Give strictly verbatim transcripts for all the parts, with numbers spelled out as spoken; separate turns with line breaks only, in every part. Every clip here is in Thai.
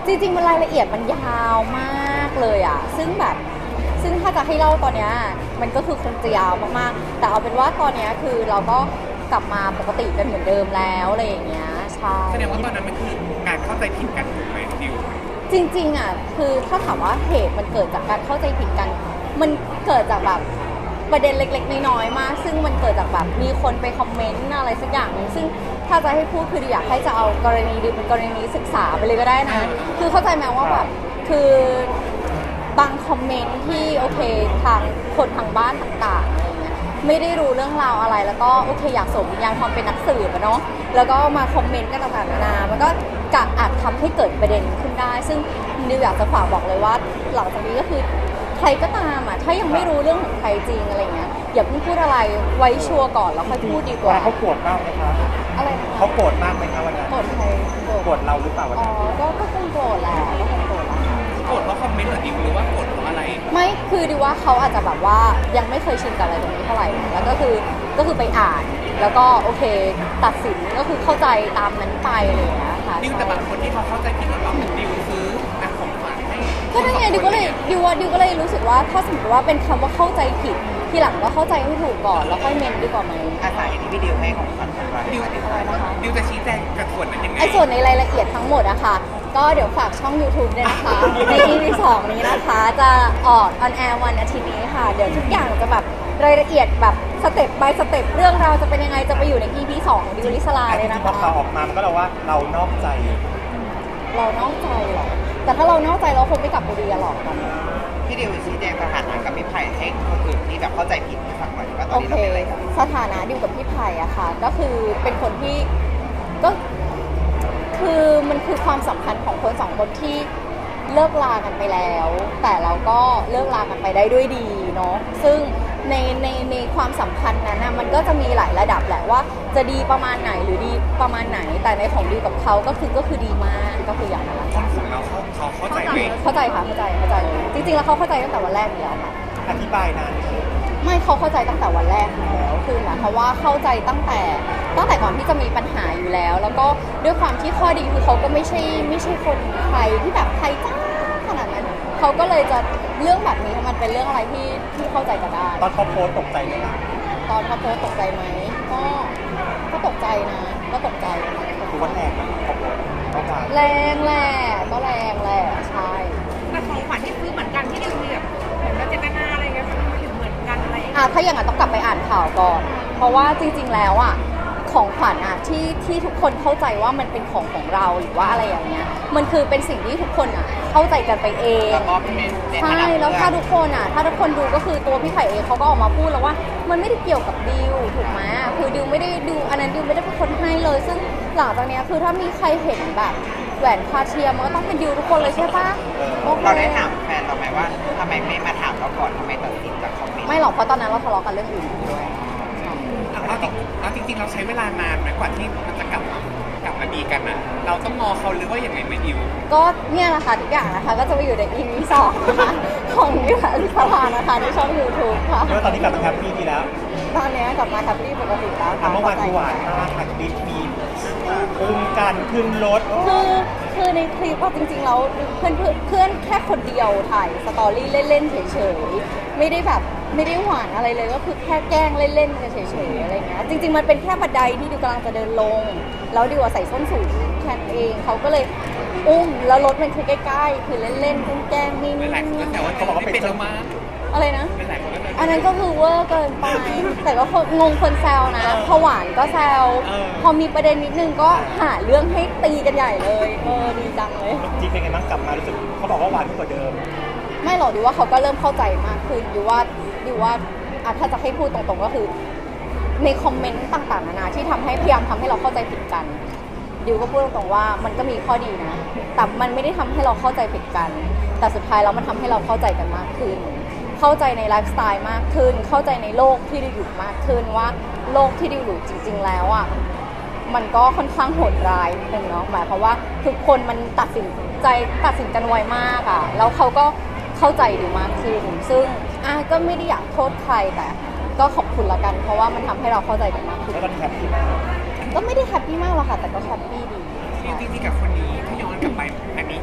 จริงๆมันรายละเอียดมันยาวมากเลยอ่ะซึ่งแบบซึ่งถ้าจะให้เล่าตอนเนี้ยมันก็คือคงจะยาวมากๆแต่เอาเป็นว่าตอนเนี้ยคือเราก็กลับมาปกติกันเหมือนเดิมแล้วอะไรอย่างเงี้ยใช่
แสดงว่าตอนนั้นมันคือการเข้าใจผิดกันถูกไหมดิว
จริงๆอ่ะคือถ้าถามว่าเหตุมันเกิดจากการเข้าใจผิดกันมันเกิดจากแบบประเด็นเล็กๆน้อยๆมากซึ่งมันเกิดจากแบบมีคนไปคอมเมนต์อะไรสักอย่างนึงซึ่งถ้าจะให้พูดคืออยากให้จะเอากรณีดิวเป็นกรณีศึกษาไปเลยก็ได้นะคือเข้าใจไหมว่าแบบคือบางคอมเมนต์ที่โอเคทางคนทางบ้านต่างๆอะไรเงี้ยไม่ได้รู้เรื่องราวอะไรแล้วก็โอเคอยากสวมวิญญาณความเป็นนักสืบอะเนาะแล้วก็มาคอมเมนต์กันต่างๆนานามันก็กะอาจทำให้เกิดประเด็นขึ้นได้ซึ่งดิวอยากจะฝากบอกเลยว่าหลังจากนี้ก็คือใครก็ตามอ่ะถ้ายังไม่รู้เรื่องของใครจริงอะไรเงี้ยอย่าเพิ่งพูดอะไรไว้ชัวร์ก่อนแล้วค่อยพูดดีกว่า
เขาโกรธมากไหมคะ
อะไรนะคะ
เขาโกรธมากไหมคะวันนั้น
โกรธใครโกรธ
โกรธเราหรือเปล่าวัน
อ๋อ
นั้น
ก็ก็คงโกรธแหละก็คงโกรธแหละค่ะ
โกรธเพราะคอมเมนต์เหรอดิวหรือว่าโกรธเพราะอะไร
ไม่คือดิว่าเขาอาจจะแบบว่ายังไม่เคยชินกับอะไรตรงนี้เท่าไหร่แล้วก็คือก็คือไปอ่านแล้วก็โอเคตัดสินก็คือเข้าใจตามนั้นไปอะไรอย่างเงี้ยค่ะ
ดิวแต่บางคนที่เขาเข้าใจผิดว่าเราดิวซื้อนะของขวัญให้
ก็นั่นไงดิวก็เลยดิวว่าดิวก็เลยรู้สึกว่าถ้าสมมติว่าเป็นคำว่าเข้าใจผิดทีหลังก็เข้าใจให้ถูกก่อนแล้วค่อยเมนดีกว่าไหม
อาศัยที่พี่ดิวให้ของขวัญกันไว้
ดิว
อะไรนะคะ
ดิวจะชี้แจงกับส่วนนั้นยังไง
ไอ้ส่วนในรายละเอียดทั้งหมดอะค่ะก็เดี๋ยวฝากช่อง YouTube ด้วยนะคะ ใน อี พี สองนี้นะคะจะออกออนแอร์วันอาทิตย์นี้ค่ะเดี๋ยวทุกอย่างจะแบบรายละเอียดแบบสเต็ป by สเต็ปเรื่องราวจะเป็นยังไงจะไปอยู่ใน อี พี สองของดิวลิสลาเลยนะ
พอข่า
คะ
วออกมามันก็เราว่าเรานอกใจ
เรานอกใจเหรอแต่ถ้าเรานอกใจเราคงไม่กลับไปดีกันหรอกตอนนี้
พี่ดิวชี้แจงสถานะกับพี่ไผ่ให้คนอื่นที่แบบเข้าใจผิดให้ฟังหน่อยว่าตอ
โอน
นี้
เค
เราเป็นอะไรกัน
สถานะดิวกับพี่ไผ่อะค่ะก็คือเป็นคนที่ก็คือมันคือความสัมพันธ์ของคนสองคนที่เลิกลากันไปแล้ว แต่เราก็เลิกลากันไปได้ด้วยดีเนาะซึ่งในในในความสัมพันธ์นั้นนะมันก็จะมีหลายระดับแหละว่าจะดีประมาณไหนหรือดีประมาณไหน แต่ในของดิวกับเขาก็คือก็คือดีมากก็คืออย่างนั้นแหละ
คนของเราเขาเขาเข้าใจไหม
เข้าใจค่ะเข้าใจเข้าใจจริงๆแล้วเขาเข้าใจตั้งแต่วันแรกอยู่แล้วค่ะ
อธิบายนานไหม
ไม่เขาเข้าใจตั้งแต่วันแรกอยู่แล้วคือหมายความว่าเข้าใจตั้งแต่ตั้งแต่ก่อนที่จะมีปัญหาอยู่แล้ว แล้วก็ด้วยความที่ข้อดีคือเขาก็ไม่ใช่ไม่ใช่คนไทยที่แบบไทยจ้าขนาดนั้นเขาก็เลยจะเรื่องแบบนี้มันเป็นเรื่องอะไรที่ที่เข้าใจกันได้
ตอนเขาโพสต์ตกใจไหมคะ
ตอนเขาโพสต์ตกใจไหมก็ก็ตกใจนะก็ตกใจค่ะ
คือว่าแรงนะเขาโพสต์เขาว่า
แรงแหละก็แรงแหละใช่
แต่ของขวัญที่ซื้อเหมือนกันที่ดิวมีแบบเหมือนกับเจตนาอะไรเงี้ยทำไมถึงเหมือนกันอะไรอย่างเงี้ย
อ่ะถ้าอย่างนั้นต้องกลับไปอ่านข่าวก่อน เพราะว่าจริงๆแล้วอ่ะของขวัญอ่ะที่ที่ทุกคนเข้าใจว่ามันเป็นของของเราหรือว่าอะไรอย่างเงี้ยมันคือเป็นสิ่งที่ทุกคนอ่ะเข้าใจกันไปเอง
แล้วก็เป็นใน
ใช่
ฐานะ
แล้ว
เพื่
ถ้า
อน
ทุกคนอ่ะถ้าทุกคนดูก็คือตัวพี่ไผ่เองเขาก็ออกมาพูดแล้วว่ามันไม่ได้เกี่ยวกับดิวถูกไหมคือดิวไม่ได้ดิวอันนั้นดิวไม่ได้เป็นคนให้เลย ซึ่งหลังจากเนี้ยคือถ้ามีใครเห็นแบบแหวนคาเทียมมันก็ต้องเป็นดิวทุกคนเลยใช่ปะโอค
เราได้ถามแฟนเราไหมว่าทำไมไม่มาถามเราก่อนทำไมตัดสินจากคอมเมนต์
ไม่หรอกเพราะตอนนั้นเราทะเลาะกันเรื่องอื่นด้วย
เอาจริงเอาจริงๆเราใช้เวลานานไหมกว่าที่มันจะกลับมากลับมาดีกันนะเราต้องงอเขาหรือว่าอย่างไรไหมดิว
ก็เนี่ยแหละค่ะทุกอย่างนะคะก็จะไปอยู่ใน อี พี สองนะคะของนิวลิสลานะคะในช่อง YouTube ค่ะ
เพราะว่าตอนนี้กลับมาแฮปปี้ดีแล้ว
ตอนนี้กลับมาแฮปปี้ปกติแล้วค่ะ
อ่ะเมื่อวานคือหวานมากค่ะคลิปมีอุ้มกันขึ้นรถโอ้
คือคือในคลิปว่าจริงๆแล้วเพื่อนเพื่อนเพื่อนแค่คนเดียวถ่ายสตอรี่เล่นๆเฉยๆไม่ได้แบบไม่ได้หวานอะไรเลยก็คือแค่แกล้งเล่นๆกันเฉยๆอะไรเงี้ยจริงๆมันเป็นแค่บันไดที่ดิวกำลังจะเดินลงแล้วดิวใส่ส้นสูงแค่นั้นเองเขาก็เลยอุ้มแล้วรถมันคือใกล้ๆคือเล่นๆแกล้งๆนี่
หลายคนก็แต่ว่าเขาบอกว่าเป็นแล้วมา
อะไรนะ
เป็นหลายคนก็เลย
อันนั้นก็คือเวอร์เกินไป แต่ก็คนงงคนแซวนะพอหวานก็แซว พอมีประเด็นนิดนึงก็หาเรื่องให้ตีกันใหญ่เลย เออดีจังเลย
จริงเป็นไงบ้างกลับมารู้สึกเขาบอกว่าหวานขึ้นกว่าเดิม
ไม่หรอกดิว่าเขาก็เริ่มเข้าใจมากขึ้นดิว่าดิว่าอ่ะถ้าจะให้พูดตรงๆก็คือ ในคอมเมนต์ต่างๆนานาที่ทำให้พยายามทำให้เราเข้าใจผิดกันดิวก็พูดตรงๆว่ามันก็มีข้อดีนะ แต่มันไม่ได้ทำให้เราเข้าใจผิดกัน แต่สุดท้ายแล้วมันทำให้เราเข้าใจกันมากขึ้น เข้าใจในไลฟ์สไตล์มากขึ้น เข้าใจในโลกที่ดิวอยู่มากขึ้นว่าโลกที่ดิวอยู่จริง ๆ แล้วอ่ะมันก็ค่อนข้างโหดร้ายนิดนึงเนาะหมายความว่าทุกคนมันตัดสินใจตัดสินกันไวมากอ่ะแล้วเขาก็เข้าใจดิวมากขึ้น ซึ่งอ่ะก็ไม่ได้อยากโทษใครแต่ก็ขอบคุณละกัน เพราะว่ามันทำให้เราเข้าใจกันมากขึ้น
แล้วก็แฮปปี้มาก
ก็ไม่ได้แฮปปี้มากหรอกค่ะแต่ก็แฮปปี้ดี
จริงๆกับคนนี้ถ้าย้อนกลับไปอันนี้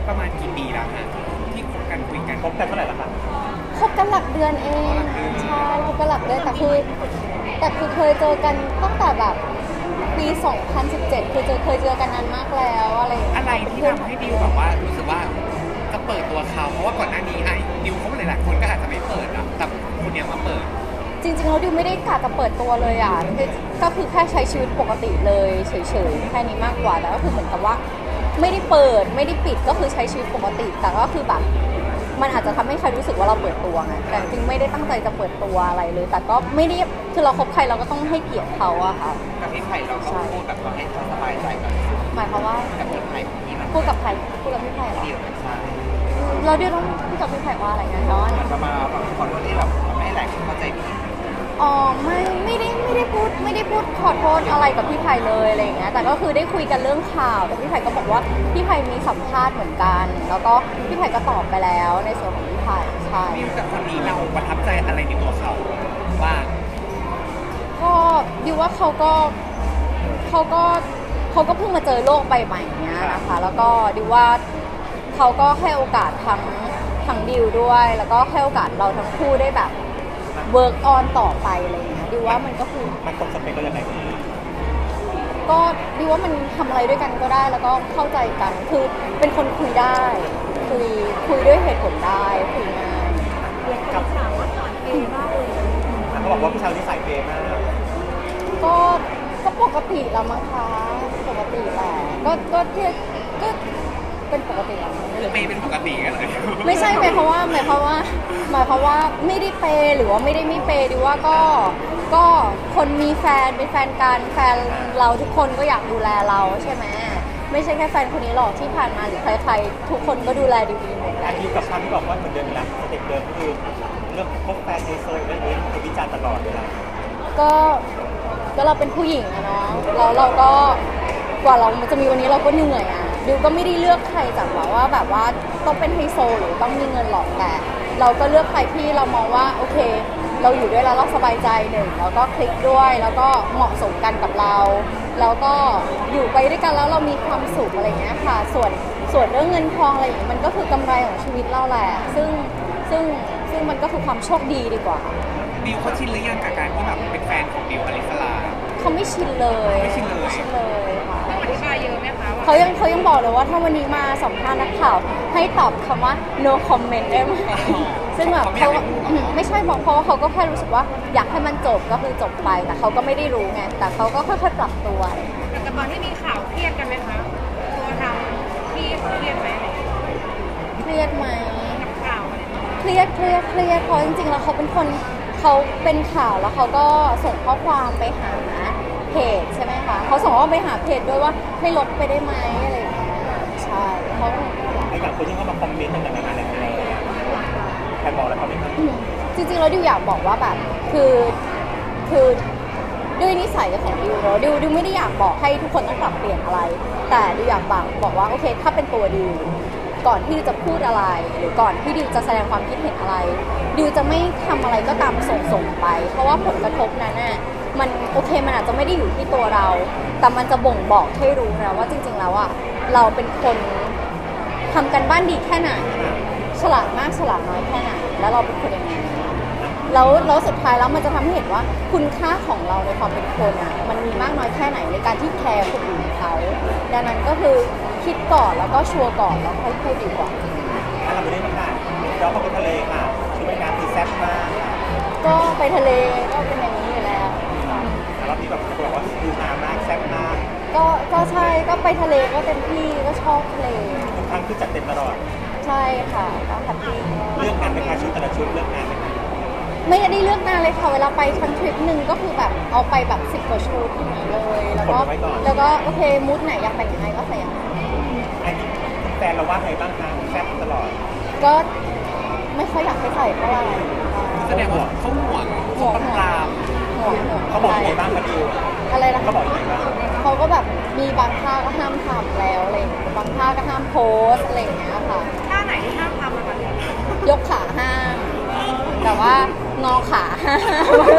ประมาณกี่ปีแล้วฮะที่คบกันคุยกัน
คบกันเท่าไหร่ละคะ
คบกันหลักเดือนเอง ใช่คบกันหลักเดือนแต่คือแต่คือเคยเจอกันตั้งแต่แบบปี สองพันสิบเจ็ด คือเจอเคยเจอกันนานมากแล้วอะไรอย่างเงี้ย
อะไรที่ทำให้ดิวแบบว่ารู้สึกว่าจะเปิดตัวเขาเพราะว่าก่อนหน้านี้ไอ้ดิวเขาหลายๆคนก็อาจจะไม่เปิดอะแต่คนเนี้ยมาเปิด
จริงๆแล้วดิวไม่ได้กะจะเปิดตัวเลยอ่ะคือก็คือแค่ใช้ชีวิตปกติเลยเฉยๆแค่นี้มากกว่าแต่ก็คือเหมือนกับว่า ไม่ได้เปิดไม่ได้ปิดก็คือใช้ชีวิตปกติ แต่ก็คือแบบมันอาจจะทำให้ใครรู้สึกว่าเราเปิดตัวไงแต่จริงๆไม่ได้ตั้งใจจะเปิดตัวอะไรเลย แต่ก็ไม่ได้คือเราคบใครเราก็ต้องให้เกียรติเขาอะค่ะ
กับพี่ไผ่เราก็พูดแบบว่าให้เขาสบายใจกับ
หมายความว่า
กับพี่ไผ่ที่มัน
พูดกับใครพูดกับพี่ไผ่เหรอ
ดีกับใช่
เราเดี๋ยวต้องพูดกับพี่ไผ่ว่าอะไรนะน้อน
เหมือนประมาณแบบขอโทษที่แบบไม่ให้หลายคนเข้าใจผิด
อ๋อไม่ไม่ได้ไม่ได้พูดไม่ได้พูดขอโทษอะไรกับพี่ไผ่เลยอะไรอย่างเงี้ยแต่ก็คือได้คุยกันเรื่องข่าวแต่พี่ไผ่ก็บอกว่าพี่ไผ่มีสัมภาษณ์เหมือนกัน แล้วก็พี่ไผ่ก็ตอบไปแล้วในส่วนของพี่ไผ่ใช่
ดิวกับคนนี้เราประทับใจอะไรในตัวเขาว่า
ก็ดิวว่าเขาก็เขาก็เขาก็เพิ่งมาเจอโลกใบใหม่เนี้ยนะคะแล้วก็ดิวว่าเขาก็ให้โอกาสทั้งทั้งดิวด้วย แล้วก็ให้โอกาสเราทั้งคู่ได้แบบเวิร์กออนต่อไปอะไรอย่างเงี้ยดิวว่ามันก็คือ
มันตรงสเปคเราอย่างไรพี่
ก็ดิวว่ามันทำอะไรด้วยกันก็ได้แล้วก็เข้าใจกันคือเป็นคนคุยได้คุยคุยด้วยเหตุผลได้คุยง่าย
กับสาวว่าสอนเปย์มากเลยเขาบอกว่าผู้ชายที่ใส่เปย์มาก
ก็ก็ปกติแล้วมั้งคะปกติแหละก็ก็เที่ยก็เป็นปกติแล้ว
เปย์เป็นปกติกันเลย
ไม่ใช่หมายความว่าหมายความว่าหมายความว่าไม่ได้เปย์หรือว่าไม่ได้ไม่เปย์ดิว่าก็ก็คนมีแฟนเป็นแฟนกันแฟนเราทุกคนก็อยากดูแลเราใช่ไหมไม่ใช่แค่แฟนคนนี้หรอกที่ผ่านมาหรือใครๆทุกคนก็ดูแลดิวดีหมดแห
อา
ละ
ทิตย์กับคำที่บอกว่าเหมือนเดิมนะสเต็ปเดิมคือเรื่องพบแฟนในโซนเรื่องนี้คือวิจารณ์ตลอดเวลา
ก็ก็เราเป็นผู้หญิงอะเนาะแล้วเราก็กว่าเราจะมีวันนี้เราก็เหนื่อยอะดิวก็ไม่ได้เลือกใครจากแบบว่าแบบว่าต้องเป็นไฮโซหรือต้องมีเงินหรอกแต่เราก็เลือกใครที่เรามองว่าโอเค เราอยู่ด้วยแล้วเราสบายใจหนึ่งแล้วก็คลิกด้วยแล้วก็เหมาะสมกันกับเรา แล้วก็อยู่ไปด้วยกันแล้วเรามีความสุขอะไรเงี้ยค่ะ ส่วนส่วนเรื่องเงินทองอะไรอย่างเงี้ยมันก็คือกำไรของชีวิตเราแหละซึ่งซึ่งซึ่งมันก็คือความโชคดีดีกว่า
ดิวเขาชินหรือยังกับการที่แบบเป็นแฟนของดิวอลิสลา
เขาไม่ชินเลย
ไม่ชินเลย
ไม่ชินเลยค่ะ
ต้องอธิบายเยอะไหมคะว่า
เขายังเขายังบอกเลยว่าถ้าวันนี้มาสัมภาษณ์นักข่าวให้ตอบคำว่า no comment ได้ไหมซึ่งแบบเขาอืมไม่ใช่บอกเพราะว่าเขาก็แค่รู้สึกว่าอยากให้มันจบก็คือจบไปแต่เขาก็ไม่ได้รู้ไงแต่เขาก็ค่อยๆปรับตัว
แต่ตอนที่มีข่าวเครียดกันไหมคะตัวทางที่เครียดไหมอะไรอย่างเงี้ย
เครียดไหม
กับข่าวอะไรอย่างเงี้ย
เครียดเครียดเครียดเพราะจริงๆแล้วเขาเป็นคนเขาเป็นข่าวแล้วเขาก็ส่งข้อความไปหาเพจใช่ไหมคะเขาส่งข้อความไปหาเพจด้วยว่าให้ลบไปได้ไหมอะไรอย่างเงี้ยใช่เขาก็
ไอ้อย่างคนที่เข้ามาคอมเมนต์ต่างๆนานาอะไรอะไรใครบอกอะไรเขาไหมครับ
อืมจริงๆแล้วดิวอยากบอกว่าแบบคือคือด้วยนิสัยของดิวเนอะดิวดิวไม่ได้อยากบอกให้ทุกคนต้องปรับเปลี่ยนอะไร แต่ดิวอยากบอกบอกว่าโอเคถ้าเป็นตัวดิวก่อนที่ดิวจะพูดอะไร หรือก่อนที่ดิวจะแสดงความคิดเห็นอะไรดิวจะไม่ทำอะไรก็ตามส่งส่งไป เพราะว่าผลกระทบนั้นน่ะมันโอเคมันอาจจะไม่ได้อยู่ที่ตัวเรา แต่มันจะบ่งบอกให้รู้นะว่าจริงๆแล้วอ่ะเราเป็นคนทำกันบ้านดีแค่ไหน ฉลาดมากฉลาดน้อยแค่ไหนแล้วเราเป็นคนยังไงแล้วแล้วสุดท้ายแล้วมันจะทำให้เห็นว่าคุณค่าของเราในความเป็นคนอ่ะมันมีมากน้อยแค่ไหนในการที่แคร์คนอื่นเขาดังนั้นก็คือคิดก่อนแล้วก็ชัวร์ก่อนแล้วค่อยพูดดีกว่า
ถ้าเราไม่ได้มาค่ะเราก็ไปทะเลค่ะชุดว่ายน้ำคือแซ่บมาก
ก็ไปทะเลก็เป็นอย่างนี้อยู่แล้ว
แล้วที่แบบบอกว่าคือฮามากแซ่บมาก
ก็ก็ใช่ก็ไปทะเลก็เต็มที่ก็ชอบทะเล
ทุกครั้งคือจัดเต็มตลอด
ใช่ค่ะก็แฮปปี้
เลือกงานเป็นการชุดแต่ละชุดเลือกงานเป็น
ไม่ได้เลือกนานเลยค่ะเวลาไปทั้งทริปหนึ่งก็คือแบบเอาไปแบบสิบกว่าชุดอย่างนี้เลยแล้วก็แล้วก็โอเคมูดไหนอยากแต่งยังไงก็ใส่อย่างนั้น
ไอ้แฟนเราว่าไงบ้างคะแซ่บตลอด
ก็ไม่ค่อยอยากให้ใส่เท่าไหร่
แสดงว่าเขาห่วง
ห่วง
เขา
ห่วง
ตาม
ห่วงห่วง
เขาบอกยังไงบ้างคะดิว
อะไรนะ
เขาบอกยังไงบ้าง
เขาก็แบบมีบางท่าก็ห้ามทำแล้วอะไรอย่างเงี้ยบางท่าก็ห้ามโพสอะไรอย่างเงี้ยค่ะ
ท่าไหนที่ห้ามทำอะคะ
ยกขาห้ามแต่ว่างอขาห้าม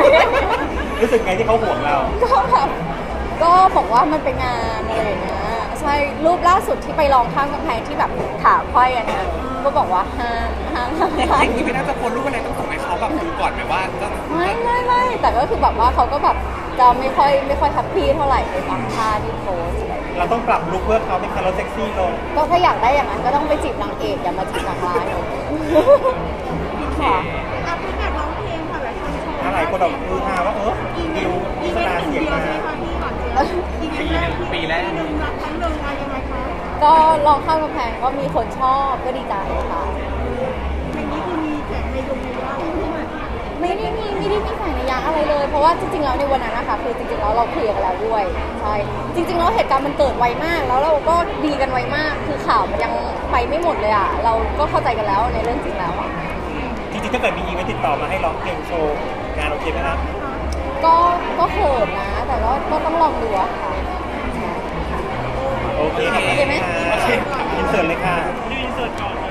รู้สึกไงที่เขาห่วงเรา
ก็แบบก็บอกว่ามันเป็นงานอะไรอย่างเงี้ยใช่รูปล่าสุดที่ไปลองข้ามกำแพงที่แบบขาไขว้อันเนี้ยก็บอกว่าห้ามห้ามห้าม
อย่างนี้ไม่น่าจะโพสรูปอะไรต้องส่งให้เขาแบบดูก่อนไหมว่าจะ
ไม่ไม่ไม่แต่ก็คือแบบว่าเขาก็แบบจะไม่ค่อยไม่ค่อยแฮปปี้เท่าไหร่ในบางท่าที่โพสอะไรอย่างเงี้ย
เราต้องปรับลุคเพื่อเขาเป็นคาร์ลเซ็กซี่ลง
ก็ถ้าอยากได้อย่างนั้นก็ต้องไปจีบนางเอกอย่ามาจีบนางร้ายเนอะค่ะ
อ่ะพี่แบบร้องเพลงค่ะหลายคนชม
อะไรคนเราคือฮาว่าเออ
อีเว
ดิ
น
ว
ต์อี
โฆ
เว
ษ
น
ณา
ต์หนึ่ง
เสียง
เดียว
มา
ใช่ไหมคะพี่หวานเจี๊ยบอีเวนต์แรกที่
ปีแรก
หนึ่งรักครั้งหนึ่งอะไรยังไงคะ
ก็ลองข้ามกำแพงก็มีคนชอบก็ดีใจค่ะ
เพลงนี้คือมีแสงในดวงในว่าที่เหมือน
ไม่ได้มีไม่ได้มีสายในยยะอะไรเลย เพราะว่าจริงๆแล้วในวันนั้นนะคะคือจริงๆแล้วเราเคลียร์กันแล้วด้วยใช่จริงๆแล้วเหตุการณ์มันเกิดไวมาก แล้วเราก็ดีกันไวมาก คือข่าวมันยังไปไม่หมดเลยอ่ะเราก็เข้าใจกันแล้วในเรื่องจริงแล้วอ่ะ
จริงๆถ้าเกิดมีอีเวนต์ติดต่อมาให้ร้องเพลงโชว์งานโอเคไหมครับ
ก็ก็เขินนะ แต่ก็ก็ต้องลองดูอะค่ะ
โอเคขอบคุณ
โอเคไหม
ค่ะอินเสิร์ตเลยค่ะ
เสิร์ชก่อน